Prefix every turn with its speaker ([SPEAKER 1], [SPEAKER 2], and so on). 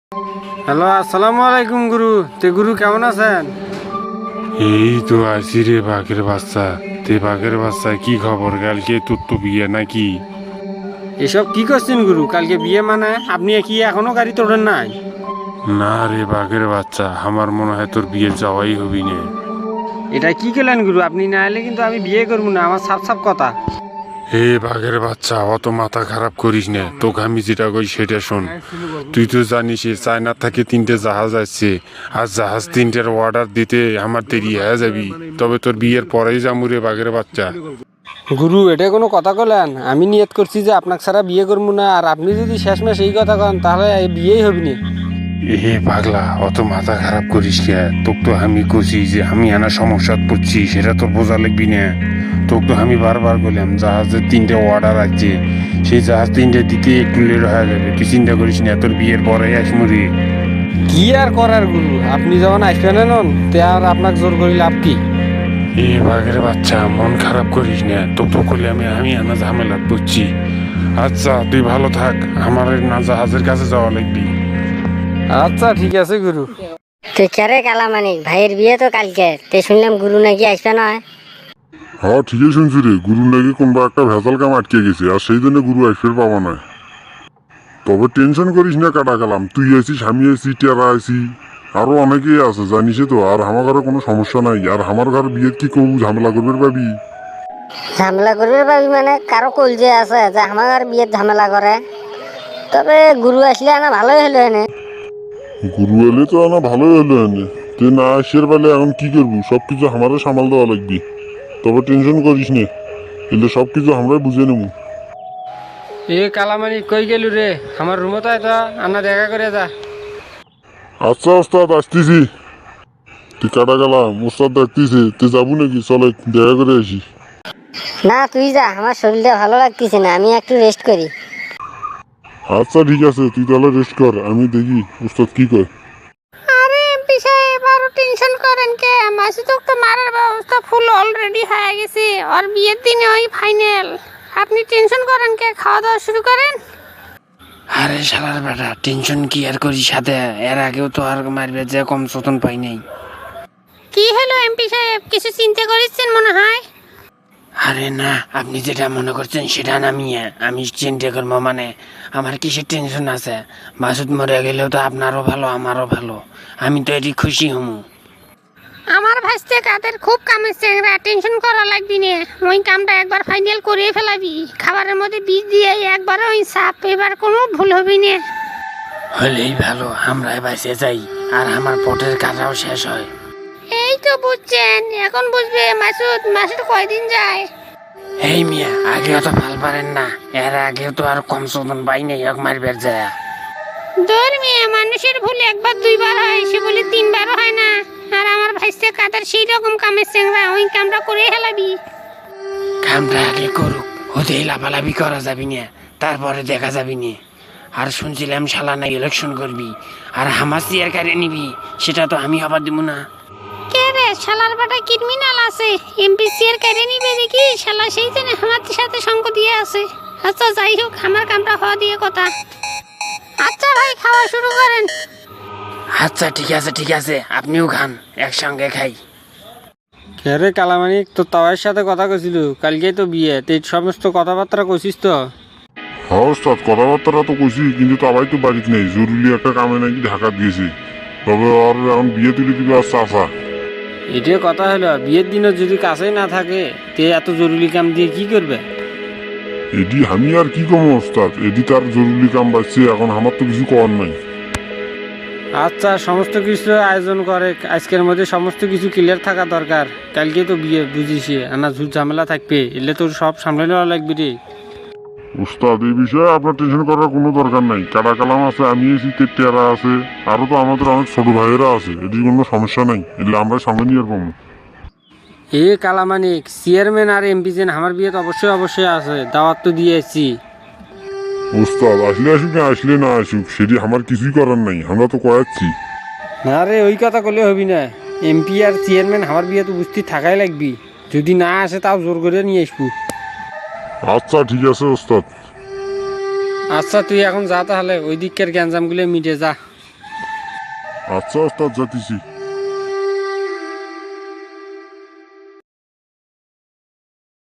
[SPEAKER 1] Hello, আসসালামু আলাইকুম গুরু। গুরু কেমন আছেন?
[SPEAKER 2] এই তো আছি রে বাঘের বাচ্চা। বাঘের বাচ্চা, কি খবর? কালকে তোর তো বিয়ে নাকি?
[SPEAKER 1] এসব কি করছেন গুরু? কালকে বিয়ে মানে আপনি কি এখনো গাড়ি তোলেন নাই?
[SPEAKER 2] না রে বাঘের বাচ্চা, আমার মনে হয় তোর বিয়ে যাওয়াই হবি না।
[SPEAKER 1] এটা কি করলেন গুরু? আপনি না এলে কিন্তু আমি বিয়ে করবো না, আমার সাফ সাফ কথা।
[SPEAKER 2] হে বাঘের বাচ্চা, অত মাথা খারাপ করিস না। তোকে আমি যেটা কই সেটা শোন। তুই তো জানিস চায়না থেকে 3টে জাহাজ আসছে, আর জাহাজ 3টের অর্ডার দিতে আমার দেরি হয়ে যাবি। তবে তোর বিয়ের পরেই যামু রে বাঘের বাচ্চা।
[SPEAKER 1] গুরু, এটা কোনো কথা কলেন? আমি নিয়ত করছি যে আপনাকে ছাড়া বিয়ে করবো না, আর আপনি যদি শেষমেশ এই কথা কন তাহলে এই বিয়েই হবি না।
[SPEAKER 2] এ পাগলা, অত মাথা খারাপ করিস কে? তোকে তো আমি কইছি যে আমি আনা সমস্যা পড়ছি, সেটা তোর বোঝা লাগবি না। তোকে তো আমি বারবার বললাম জাহাজের 3টে অর্ডার আছে, সেই জাহাজ 3টে দিতে একটু লেট হয়ে যাবে। তুই চিন্তা করিস না, তোর বিয়ের পরে আসমুরি।
[SPEAKER 1] কি আর করার গুরু, আপনি যখন আসবেন নন তে আর আপনাকে জোর করি লাভ কি?
[SPEAKER 2] এ বাঘের বাচ্চা, মন খারাপ করিস না। তোকে তো করলে আমি আনা ঝামেলা পড়ছি। আচ্ছা তুই ভালো থাক, আমার না জাহাজের কাছে যাওয়া লাগবি।
[SPEAKER 1] আচ্ছা ঠিক আছে গুরু।
[SPEAKER 3] তুই কেরে কালামানিক ভাইয়ের বিয়ে তো কালকে, তে শুনলাম গুরু নাকি আসবে না।
[SPEAKER 4] হ্যাঁ ঠিকই শুনছি রে, গুরু নাকি কোনবা একটা ভেজাল কাম আটকে গেছে, আর সেই জন্য গুরু আসবে পাবা না। তবে টেনশন করিস না, কাটা গেলাম। তুই আছিস, আমি আছি, টেরা আছি, আরো অনেকেই আছে জানিস তো। আর আমার ঘরে কোনো সমস্যা নাই। আর আমার ঘর বিয়ে কি করবো, ঝামেলা করবে পাবি?
[SPEAKER 3] ঝামেলা করবে ভাবি মানে কারো কল যে আছে যে আমার আর বিয়ের ঝামেলা করে? তবে গুরু আসলে না ভালোই হলো এনে।
[SPEAKER 4] গুরু এলে তো না ভালোই হলো এনে। তুই না আসির বেলে এখন কি করবো? সবকিছু আমারও সামাল দেওয়া লাগবি। তবে টেনশন করিস না, এলে সবকিছু আমরাই বুঝে নেবো।
[SPEAKER 1] এ কালামানি কই গেলু রে? আমার রুমে তো আনা দেখা করে যা।
[SPEAKER 4] আচ্ছা ওস্তাদ, আসতেছি। তুই কাটা গেলাম, ওস্তাদ ডাকতেছে, তুই যাবো নাকি? চলে দেখা করে আসি।
[SPEAKER 3] না তুই যা, আমার শরীরটা ভালো লাগতেছে না, আমি একটু রেস্ট করি।
[SPEAKER 4] আচ্ছা ঠিক আছে, তুই তাহলে রেস্ট কর, আমি দেখি ওস্তাদ কি কয়।
[SPEAKER 5] আরে এমপি সাহেব, আরো টেনশন করেন কে? মাসুদক তো মারার ব্যবস্থা ফুল অলরেডি হয়ে গেছে। আর বিয়ের দিনে ওই ফাইনাল। আপনি টেনশন করেন কে? খাওয়া দাওয়া শুরু করেন।
[SPEAKER 1] আরে শালার বেটা, টেনশন কি আর করি সাথে? এর আগেও তো আর মারবে যে কম চতন পাই নাই।
[SPEAKER 5] কি হলো এমপি সাহেব, কিছু চিন্তা করেছেন মনে হয়?
[SPEAKER 1] আরে না, আপনি যেটা মনে করছেন সেটা না মিয়া। আমি চিন্তা করবো মানে আমার কিসের টেনশন আছে? মাসুদ মরে গেলেও তো আপনারও ভালো আমারও ভালো। আমি তো এটি খুশি হমু।
[SPEAKER 5] আমার ভাসতে কাদের খুব কামের চেংরা, টেনশন করা লাগবি না। ওই কামটা একবার ফাইনাল করে ফেলাবি। খাবারের মধ্যে বীজ দিয়ে একবার ওই সাপ, এবার কোনো ভুল হবি না।
[SPEAKER 1] হলেই ভালো, আমরা বাঁচে যাই আর আমার পটের কাটাও শেষ হয়।
[SPEAKER 5] এই তো বুঝছেন, এখন বুঝবে মাসুদ। মাসুদ কয়দিন যায়?
[SPEAKER 1] এই মিয়া, আগেও তো ভাল পারেন না। এর আগেও তো আর কম চতন পাই নাই এক মারবার যায়।
[SPEAKER 5] ধর্মীয় মানুষের ভুল একবার দুইবার হয়, সে বলে তিনবারও হয় না। আর আমার ভাইসে কাদের সেই রকম কামের চেংরা, ওই কামটা করে হেলাবি।
[SPEAKER 1] কামটা আগে করুক, হতেই লাফালাফি করা যাবি না, তারপরে দেখা যাবি না। আর শুনছিলাম শালা না ইলেকশন করবি আর হামাস চেয়ার কারে নিবি, সেটা তো আমি হবার দিব না।
[SPEAKER 5] কে রে, শালার বাটা ক্রিমিনাল আছে, এমপিসি এর কেড়ে নিবে দেখি। শালা সেই জন্য আমার সাথে সঙ্গ দিয়ে আছে। আচ্ছা যাই হোক, আমার কামটা হওয়া দিয়ে কথা। আচ্ছা ভাই, খাওয়া শুরু করেন।
[SPEAKER 1] আচ্ছা ঠিক আছে ঠিক আছে, আপনিও খান, একসঙ্গে খাই।
[SPEAKER 6] রে কালামানিক, তো তাওয়ার সাথে কথা কইছিল, কালকেই তো বিয়ে, তুই সমস্ত কথাবার্তা কইছিস তো?
[SPEAKER 4] হ্যাঁ ওস্তাদ, কথাবার্তা তো কইছি, কিন্তু তাবাই তো বাড়িতে নেই, জরুরি একটা কামে নাকি ঢাকা দিয়েছে। তবে আর এখন বিয়ে তুলে দিবে আর চাচা।
[SPEAKER 6] এটাই কথা হলো, বিয়ের দিনও যদি কাছেই না থাকে তে এত জরুরি কাম দিয়ে কি করবে?
[SPEAKER 4] এডি আমি আর কি কমো ওস্তাদ, এডি তার জরুরি কাম বাড়ছে, এখন আমার তো কিছু করার নাই।
[SPEAKER 6] আচ্ছা, সমস্ত কিছু আয়োজন করে, আজকের মধ্যে সমস্ত কিছু ক্লিয়ার থাকা দরকার। কালকে তো বিয়ে বুঝিস, আনা ঝুট ঝামেলা থাকবে, এলে তোর সব সামলে নেওয়া লাগবে রে।
[SPEAKER 4] ওস্তাদ এই বিষয়ে আপনার টেনশন করার কোনো দরকার নাই। কাটা কালাম আছে, আমি আছি, টেরা আছে, আরো তো আমাদের অনেক ছোট ভাইয়েরা আছে, এটির কোনো সমস্যা নাই, এলে আমরা সঙ্গে নিয়ে পাবো।
[SPEAKER 6] এ কালামানিক, চেয়ারম্যান আর এমপি যেন আমার বিয়ে তো অবশ্যই অবশ্যই আছে, দাওয়াত তো দিয়েছি।
[SPEAKER 4] ওস্তাদ আসলে আসুক না আসলে না আসুক, সেটি আমার কিছুই করার নাই, আমরা তো করাচ্ছি।
[SPEAKER 6] না রে, ওই কথা করলে হবি না। এমপি আর চেয়ারম্যান আমার বিয়ে তো বুঝতে থাকাই লাগবি, যদি না আসে তাও জোর করে নিয়ে আসবো।
[SPEAKER 4] আচ্ছা ঠিক আছে ওস্তাদ।
[SPEAKER 6] আচ্ছা তুই এখন যা, তাহলে ওই দিককার গ্যাঞ্জামগুলো মিটে যা।
[SPEAKER 4] আচ্ছা ওস্তাদ যাতিছি